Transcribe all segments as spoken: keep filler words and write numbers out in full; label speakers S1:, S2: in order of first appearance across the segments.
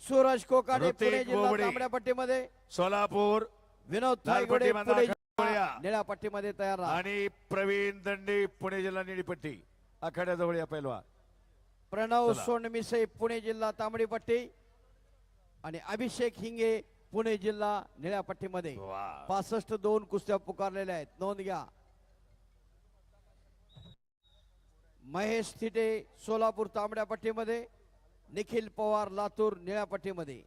S1: सूरज कोकाटे
S2: ऋतिक
S1: पुणे जिल्हा
S2: बोबडे.
S1: तांबड्या पट्टीमध्ये,
S2: सोलापूर
S1: विनोद
S2: लाल
S1: थायगुडे
S2: पट्टीमध्ये
S1: पुणे
S2: आखाडा
S1: जिल्हा
S2: जोड्या.
S1: निळ्या पट्टीमध्ये तयार राहा.
S2: आणि प्रवीण दंडे पुणे जिल्हा निळीपट्टी आखाड्याजवळ या पैलवान.
S1: प्रणव
S2: चला.
S1: सोनमिसे पुणे जिल्हा तांबडी पट्टी आणि अभिषेक हिंगे पुणे जिल्हा निळ्या पट्टीमध्ये.
S2: वा.
S1: पासष्ट दोन कुस्त्या पुकारलेल्या आहेत, नोंद घ्या. महेश थिटे सोलापूर तांबड्या पट्टीमध्ये, निखिल पवार लातूर निळ्या पट्टीमध्ये.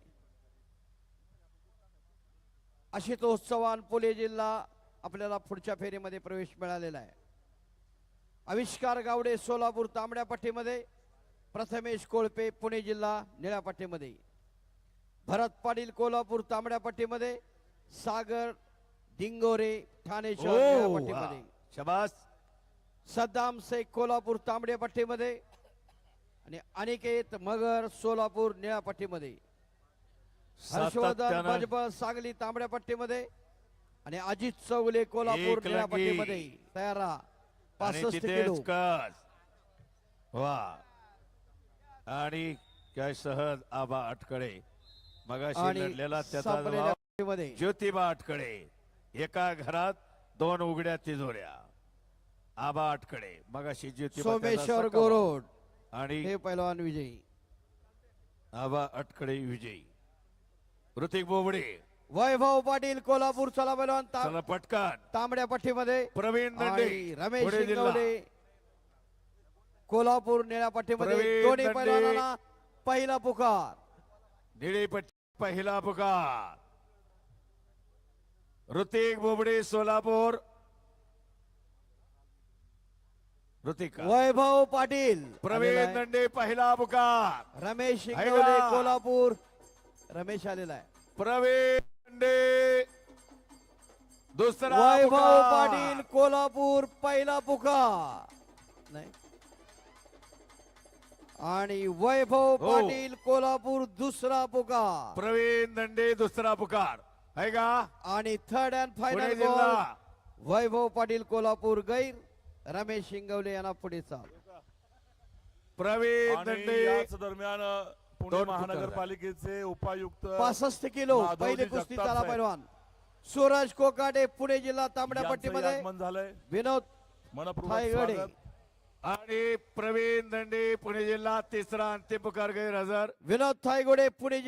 S1: आशुतोष चव्हाण पुणे जिल्हा आपल्याला पुढच्या फेरीमध्ये प्रवेश मिळालेला आहे. आविष्कार गावडे सोलापूर तांबड्या पट्टीमध्ये, प्रथमेश कोळपे पुणे जिल्हा निळ्या पट्टीमध्ये. भरत पाटील कोल्हापूर तांबड्या पट्टीमध्ये, सागर डिंगोरे ठाणे शहर निळ्या
S2: ओ,
S1: पट्टीमध्ये.
S2: वा. शाबास.
S1: सद्दाम शेख कोल्हापूर तांबड्या पट्टीमध्ये आणि अनिकेत मगर सोलापूर निळ्या पट्टीमध्ये. हर्षवर्धन
S2: सातत्यानं
S1: भजबळ सांगली तांबड्या पट्टीमध्ये आणि अजित चौगले कोल्हापूर
S2: एक
S1: निळ्या
S2: लंगी.
S1: पट्टीमध्ये तयार राहा.
S2: आणि
S1: पासष्ट
S2: तिथेच
S1: किलो.
S2: कस. वा. आणि काय सहज आबा अटकडे मगाशी
S1: आणि
S2: लढलेला त्याचा
S1: संपलेल्या
S2: जबाब
S1: पट्टीमध्ये
S2: ज्योतिबा अटकडे. एका घरात दोन उघड्या तिजोऱ्या. आबा अटकडे मगाशी ज्योतिबा त्याचा
S1: सोमेश्वर
S2: सखा
S1: गोरोड
S2: आणि
S1: हे पैलवान विजयी.
S2: आबा अटकडे विजयी. ऋतिक बोबडे.
S1: वैभव पाटील कोल्हापूर चला पैलवान ता-
S2: चला पटकन.
S1: तांबड्या पट्टीमध्ये
S2: प्रवीण दंडे
S1: आणि रमेश
S2: पुणे जिल्हा.
S1: शिंगवडे कोल्हापूर निळ्या पट्टीमध्ये.
S2: प्रवीण
S1: दोन्ही
S2: दंडे.
S1: पैलवानांना पहिला पुकार.
S2: निळीपट्टी पहिला पुकार. ऋतिक बोबडे सोलापूर. ऋतिक
S1: वैभव पाटील
S2: प्रवीण
S1: आलेला आहे.
S2: दंडे पहिला पुकार.
S1: रमेश
S2: आहे
S1: शिंगवडे
S2: का?
S1: कोल्हापूर. रमेश आलेला आहे.
S2: प्रवीण दंडे दुसरा
S1: वैभव
S2: पुकार.
S1: पाटील कोल्हापूर पहिला पुकार नाही आणि वैभव
S2: हो.
S1: पाटील कोल्हापूर दुसरा पुकार
S2: प्रवीण दंडे दुसरा पुकार आहे का.
S1: आणि थर्ड अँड
S2: पुणे
S1: फायनल
S2: जिल्हा.
S1: वैभव पाटील कोल्हापूर गैर, रमेश शिंगवले यांना पुढे चाल.
S2: प्रवीण
S3: आणि
S2: दंडे
S3: याच दरम्यान पुणे
S2: दोन
S3: महानगरपालिकेचे उपायुक्त
S1: पासष्ट किलो
S3: माधवजी
S1: पहिले कुस्ती
S3: जगताप
S1: चाला
S3: साहेब.
S1: पैलवान सूरज कोकाटे पुणे जिल्हा तांबड्या
S3: यांचं
S1: पट्टीमध्ये,
S3: आगमन झालंय.
S1: विनोद
S3: मनपूर्वक
S1: थायगडे
S3: स्वागत.
S2: आणि प्रवीण दंडे पुणे जिल्हा तिसरा अंतिम पुकार गैरहजर.
S1: विनोद थायगोडे पुणे